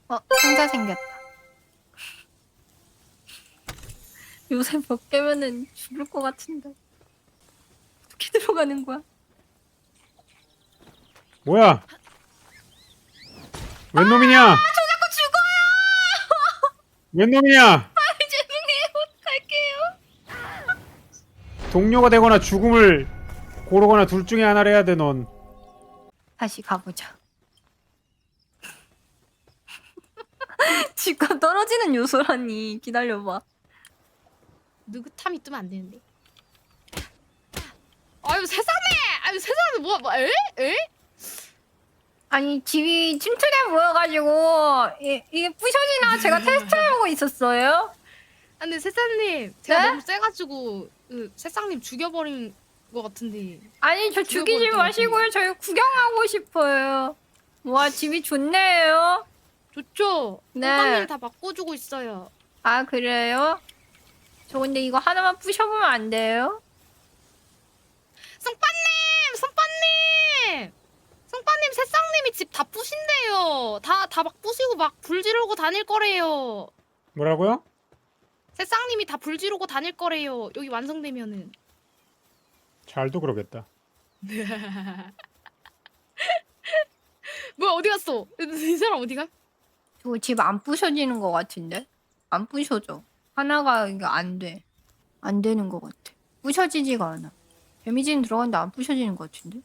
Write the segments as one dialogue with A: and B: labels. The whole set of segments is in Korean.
A: 상자 생겼다. 요새 몇 개면은 죽을 것 같은데. 어떻게 들어가는 거야?
B: 뭐야? 웬 놈이냐?
A: 저 자꾸 죽어요!
B: 웬 놈이냐?
A: 죄송해요. 갈게요.
B: 동료가 되거나 죽음을 고르거나 둘 중에 하나를 해야 돼, 넌.
A: 다시 가보자. 집값 떨어지는 요소라니. 기다려봐.
C: 느긋함이 뜨면 안 되는데. 아유 세상에! 아유 세상에 에?
A: 아니 집이 침투대 모여가지고 이게 부셔지나 제가 테스트해보고 있었어요.
C: 아, 근데 세상님 제가
A: 네?
C: 너무 세가지고 그 세상님 죽여버린 것 같은데.
A: 아니 저 죽이지
C: 죽여버릴 것
A: 마시고요. 저희 구경하고 싶어요. 와 집이 좋네요.
C: 좋죠?
A: 네.
C: 오빠님 다 바꿔주고 있어요.
A: 아 그래요? 저 근데 이거 하나만 부셔보면 안 돼요?
C: 성빠님 세상님이 집 다 부신대요. 다 막 부시고 막 불 지르고 다닐 거래요.
B: 뭐라고요?
C: 세상님이 다 불 지르고 다닐 거래요. 여기 완성되면은.
B: 잘도 그러겠다.
C: 뭐야 어디 갔어? 이 사람 어디가?
A: 저 집 안 부셔지는 것 같은데? 안 부셔져. 하나가 이게 안 돼. 안 되는 것 같아. 부셔지지가 않아. 데미지는 들어갔는데 안 부셔지는 것 같은데?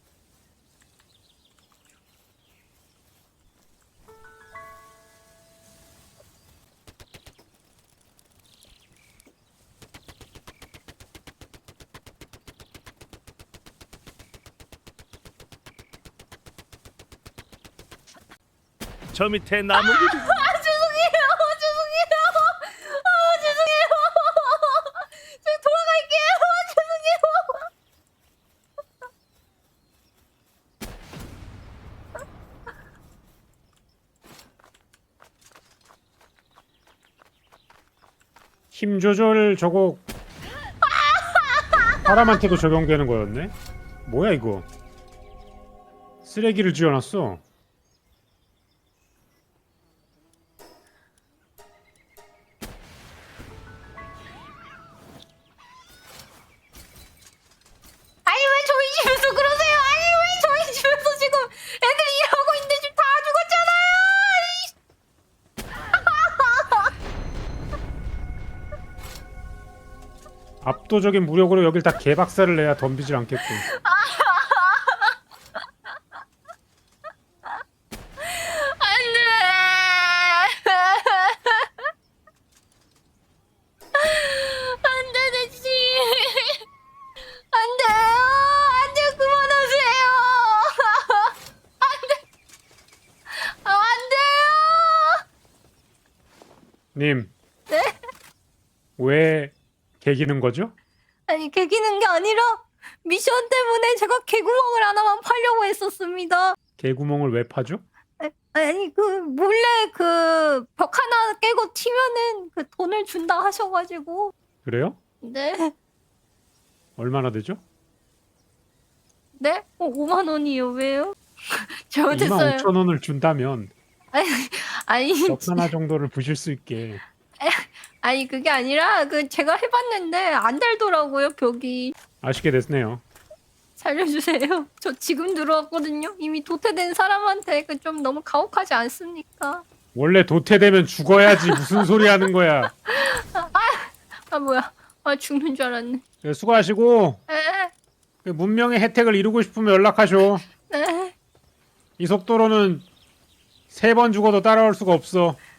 D: 저 밑에 나무
A: 죄송해요. 죄송해요. 죄송해요. 저 돌아갈게요. 죄송해요.
B: 힘 조절 저거 사람한테도 적용되는 거였네? 뭐야 이거? 쓰레기를 지어놨어.
A: 아니 왜 저희 집에서 그러세요? 아니 왜 저희 집에서 지금 애들 일하고 있는데 지금 다 죽었잖아요.
B: 압도적인 무력으로 여길 다 개박살을 내야 덤비질 않겠군.
A: 안돼 대지 안돼요 안돼 그만하세요 안돼 안돼요
B: 님,
A: 네?
B: 왜 개기는 거죠?
A: 아니 개기는 게 아니라 미션 때문에 제가 개구멍을 하나만 파려고 했었습니다.
B: 개구멍을 왜 파죠?
A: 아니 그 몰래 그 벽 하나 깨고 튀면은 그 돈을 준다 하셔가지고
B: 그래요?
A: 네
B: 얼마나 되죠?
A: 네? 5만 원이요 왜요?
B: 2만
A: 잘못했어요.
B: 5천 원을 준다면
A: 아니
B: 벽 하나 정도를 부실 수 있게.
A: 아니 그게 아니라 그 제가 해봤는데 안 달더라고요 벽이.
B: 아쉽게 됐네요.
A: 살려주세요. 저 지금 들어왔거든요. 이미 도태된 사람한테 그 좀 너무 가혹하지 않습니까?
B: 원래 도태되면 죽어야지. 무슨 소리 하는 거야.
A: 아 뭐야? 아 죽는 줄 알았네.
B: 네, 수고하시고
A: 에,
B: 그 문명의 혜택을 이루고 싶으면 연락하쇼.
A: 네.
B: 이 속도로는 3번 죽어도 따라올 수가 없어.